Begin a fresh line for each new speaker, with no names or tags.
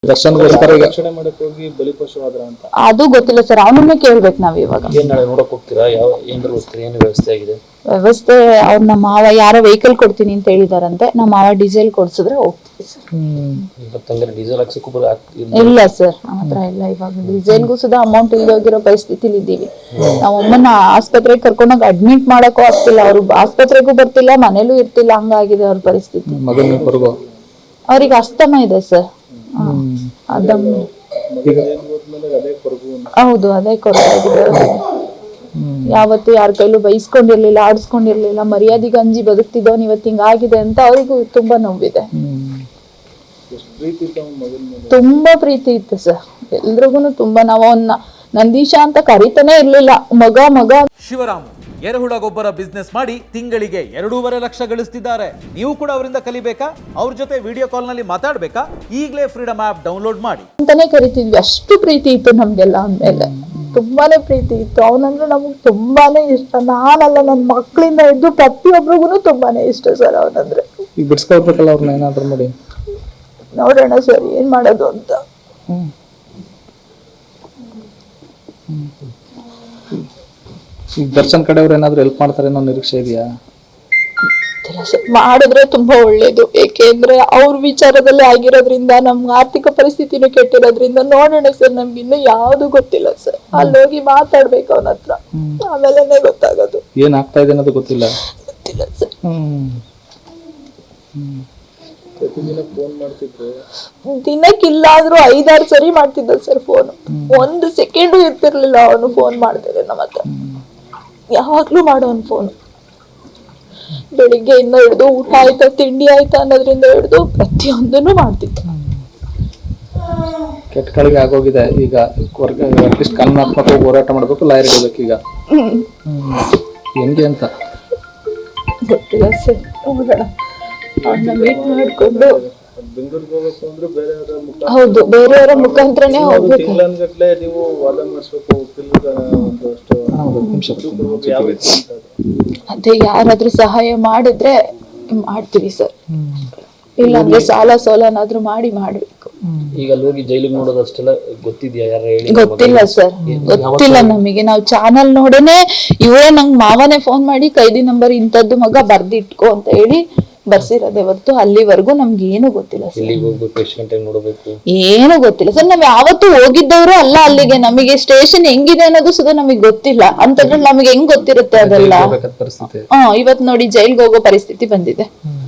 ದರ್ಶನ್ಗೋಸ್ಕರ
ರಕ್ಷಣೆ ಮಾಡಕ್ ಹೋಗಿ ಬಲಿಪಶುವಾದ್ರ ಅಂತ
ಅದು ಗೊತ್ತಿಲ್ಲ ಸರ್, ಅವನನ್ನೇ ಕೇಳ್ಬೇಕು ನಾವ್ ಇವಾಗ.
ಏನ್ ನಾಳೆ ನೋಡಕ್ ಹೋಗ್ತೀರಾ? ಯಾವ ಏನಾದ್ರು ಹೋಗ್ತೀರಾ? ಏನು ವ್ಯವಸ್ಥೆ ಆಗಿದೆ?
ವ್ಯವಸ್ಥೆ ಅವ್ರ ನಮ್ಮ ಮಾವ ಯಾರೋ ವೆಹಿಕಲ್ ಕೊಡ್ತೀನಿ ಅಂತ ಹೇಳಿದಾರಂತೆ. ನಮ್ಮ ಮಾವ ಡೀಸೆಲ್ ಕೊಡ್ಸಿದ್ರೆ ಹೋಗ್ತೀವಿ ಸರ್.
ಇವತ್ತಂದ್ರೆ ಡೀಸೆಲ್ ಹಾಕ್ಸಕ್ಕೂ
ಇಲ್ಲ ಸರ್, ನಮ್ಮ ಹತ್ರ ಇಲ್ಲ. ಇವಾಗ ಡೀಸೆಲ್ಗೂ ಸುಧಾ ಅಮೌಂಟ್ ಇಲ್ಲದೆ ಹೋಗಿರೋ ಪರಿಸ್ಥಿತಿಲಿ ಇದ್ದೀವಿ. ನಾವ್ ಅಮ್ಮನ ಆಸ್ಪತ್ರೆಗೆ ಕರ್ಕೊಂಡೋಗಿ ಅಡ್ಮಿಟ್ ಮಾಡಕ್ಕೂ ಆಗ್ತಿಲ್ಲ, ಅವ್ರು ಆಸ್ಪತ್ರೆಗೂ ಬರ್ತಿಲ್ಲ, ಮನೇಲೂ ಇರ್ತಿಲ್ಲ, ಹಂಗಾಗಿದೆ ಅವ್ರ ಪರಿಸ್ಥಿತಿ. ಅವ್ರಿಗೆ ಅಸ್ತಮ ಇದೆ ಸರ್. ಹೌದು, ಅದೇ ಕೊರಗಾಗಿದೆ. ಯಾವತ್ತು ಯಾರ ಕೈಲೂ ಬೈಸ್ಕೊಂಡಿರ್ಲಿಲ್ಲ, ಆಡಿಸ್ಕೊಂಡಿರ್ಲಿಲ್ಲ, ಮರ್ಯಾದೆಗೆ ಅಂಜಿ ಬದುಕ್ತಿದ್ದವನ್ ಇವತ್ತು ಹಿಂಗಾಗಿದೆ ಅಂತ ಅವ್ರಿಗೂ ತುಂಬಾ ನೋವಿದೆ. ತುಂಬಾ ಪ್ರೀತಿ ಇತ್ತು ಸರ್ ಎಲ್ರಿಗೂ ತುಂಬಾ. ನಾವು ಅವನ್ನ ನಂದೀಶ ಅಂತ ಕರಿತಾನೆ ಇರ್ಲಿಲ್ಲ, ಮಗ ಮಗ.
ಶಿವರಾಮ್ ಎರೆಹುಳ ಗೊಬ್ಬರ ಬಿಸ್ನೆಸ್ ಮಾಡಿ ತಿಂಗಳಿಗೆ 2.5 ಲಕ್ಷ ಗಳಿಸ್ತಿದ್ದಾರೆ. ನೀವು ಕೂಡ ಅವರಿಂದ ಕಲಿಬೇಕಾ? ಅವ್ರ ಜೊತೆ ವಿಡಿಯೋ ಕಾಲ್ ನಲ್ಲಿ ಮಾತಾಡ್ಬೇಕಾ? ಈಗಲೇ ಫ್ರೀಡಮ್ ಆಪ್ ಡೌನ್ಲೋಡ್ ಮಾಡಿ
ಅಂತಾನೆ ಕರಿತಿದ್ವಿ. ಅಷ್ಟು ಪ್ರೀತಿ ಇತ್ತು ನಮ್ಗೆಲ್ಲ ಅಂದ್ಮೇಲೆ, ತುಂಬಾನೇ ಪ್ರೀತಿ ಇತ್ತು. ಅವನಂದ್ರೆ ನಮಗ್ ತುಂಬಾನೇ ಇಷ್ಟ. ನಾನಲ್ಲ, ನನ್ನ ಮಕ್ಕಳಿಂದ ಹಿಡಿದು ಪ್ರತಿಯೊಬ್ಬರಿಗೂ ತುಂಬಾನೇ ಇಷ್ಟ ಸರ್ ಅವನಂದ್ರೆ.
ಈಗ ಬಿಡ್ಸ್ಕೊಳ್ಬೇಕಲ್ಲ ಅವ್ರನ್ನ ಏನಾದ್ರು ಮಾಡಿ.
ನೋಡೋಣ ಸರ್ ಏನ್ ಮಾಡೋದು ಅಂತ.
ಈಗ ದರ್ಶನ್ ಕಡೆಯವ್ರು ಏನಾದ್ರು ಹೆಲ್ಪ್ ಮಾಡ್ತಾರೆ ಅನ್ನೋ ನಿರೀಕ್ಷೆ ಇದೆಯಾ?
ಮಾಡಿದ್ರೆ ತುಂಬಾ ಒಳ್ಳೇದು. ಏಕೆಂದ್ರೆ ಅವ್ರ ವಿಚಾರದಲ್ಲಿ ಆಗಿರೋದ್ರಿಂದ ನಮ್ಗೆ ಆರ್ಥಿಕ ಪರಿಸ್ಥಿತಿನೂ ಕೆಟ್ಟಿರೋದ್ರಿಂದ ನೋಡೋಣ ಸರ್. ನಮ್ಗೆ ಇನ್ನು ಯಾವ್ದು ಗೊತ್ತಿಲ್ಲ ಸರ್. ಅಲ್ಲಿ ಹೋಗಿ ಮಾತಾಡ್ಬೇಕು ಅವನ ಹತ್ರ, ಆಮೇಲೆ ಗೊತ್ತಾಗೋದು.
ಏನ್ ಆಗ್ತಾ ಇದೆ ಅನ್ನೋದು ಗೊತ್ತಿಲ್ಲ
ಸರ್. ದಿನಕ್ಕಿಲ್ಲ ಆದ್ರೂ 5-6 ಸರಿ ಮಾಡ್ತಿದ್ದ ಸರ್ ಫೋನ್. 1 ಸೆಕೆಂಡು ಇರ್ತಿರ್ಲಿಲ್ಲ ಅವನು ಫೋನ್ ಮಾಡ್ತಿದ್ದೆ ನಮ್ಮ ಹತ್ರ. ಯಾವಾಗ್ಲೂ ಮಾಡೋನ್ ಫೋನ್. ಬೆಳಿಗ್ಗೆಯಿಂದ ಹಿಡಿದು ಊಟ ಆಯ್ತಾ ತಿಂಡಿ ಆಯ್ತಾ ಅನ್ನೋದ್ರಿಂದ ಹಿಡಿದು ಪ್ರತಿಯೊಂದನ್ನು ಮಾಡ್ತಿದ್ದ.
ಕೆಟ್ಟ ಕಳಿಗೆ ಆಗೋಗಿದೆ ಈಗ. ಅಟ್ಲೀಸ್ಟ್ ಕಾನೂನಾತ್ಮಕವಾಗಿ ಹೋರಾಟ ಮಾಡ್ಬೇಕು, ಲಾಯರ್ ಇಡಬೇಕು ಈಗ. ಹೆಂಗೆ ಅಂತ
ಗೊತ್ತಿಲ್ಲ ಸರ್. ನೋಡೋಣ, ಅವ್ರನ್ನ ಮೀಟ್ ಮಾಡ್ಕೊಂಡು. ಹೌದು, ಬೇರೆಯವರ ಮುಖಾಂತರನೇ ಹೋಗ್ಬೇಕು. ಅದೇ ಯಾರಾದ್ರೂ ಸಹಾಯ ಮಾಡಿದ್ರೆ ಮಾಡ್ತೀವಿ ಸರ್, ಇಲ್ಲಾಂದ್ರೆ ಸಾಲ ಸೋಲನಾದ್ರೂ ಮಾಡ್ಬೇಕು.
ಈಗ ಹೋಗಿ ಜೈಲಿಗೆ ನೋಡೋದು ಅಷ್ಟೆಲ್ಲ ಗೊತ್ತಿದ್ಯಾ? ಯಾರು ಹೇಳಿ?
ಗೊತ್ತಿಲ್ಲ ಸರ್, ಗೊತ್ತಿಲ್ಲ ನಮಗೆ. ನಾವು ಚಾನಲ್ ನೋಡೇನೆ ಇವರೇ ನಂಗೆ ಮಾವನೇ ಫೋನ್ ಮಾಡಿ ಕೈದಿ ನಂಬರ್ ಇಂಥದ್ದು ಮಗ ಬರ್ದಿಟ್ಕೋ ಅಂತ ಹೇಳಿ ಬರ್ಸಿರೋದೇ ಹೊರತು ಅಲ್ಲಿವರೆಗೂ ನಮ್ಗೆ ಏನು ಗೊತ್ತಿಲ್ಲ ಸರ್. ಏನು ಗೊತ್ತಿಲ್ಲ ಸರ್. ನಾವ್ ಯಾವತ್ತೂ ಹೋಗಿದ್ದವರು ಅಲ್ಲ ಅಲ್ಲಿಗೆ. ನಮಗೆ ಸ್ಟೇಷನ್ ಹೆಂಗಿದೆ ಅನ್ನೋದು ಸುಧಾ ನಮಗ್ ಗೊತ್ತಿಲ್ಲ. ಅಂತಂದ್ರೆ ನಮಗೆ ಹೆಂಗ್ ಗೊತ್ತಿರುತ್ತೆ ಅದೆಲ್ಲ? ಇವತ್ ನೋಡಿ ಜೈಲ್ಗೆ ಹೋಗೋ ಪರಿಸ್ಥಿತಿ ಬಂದಿದೆ.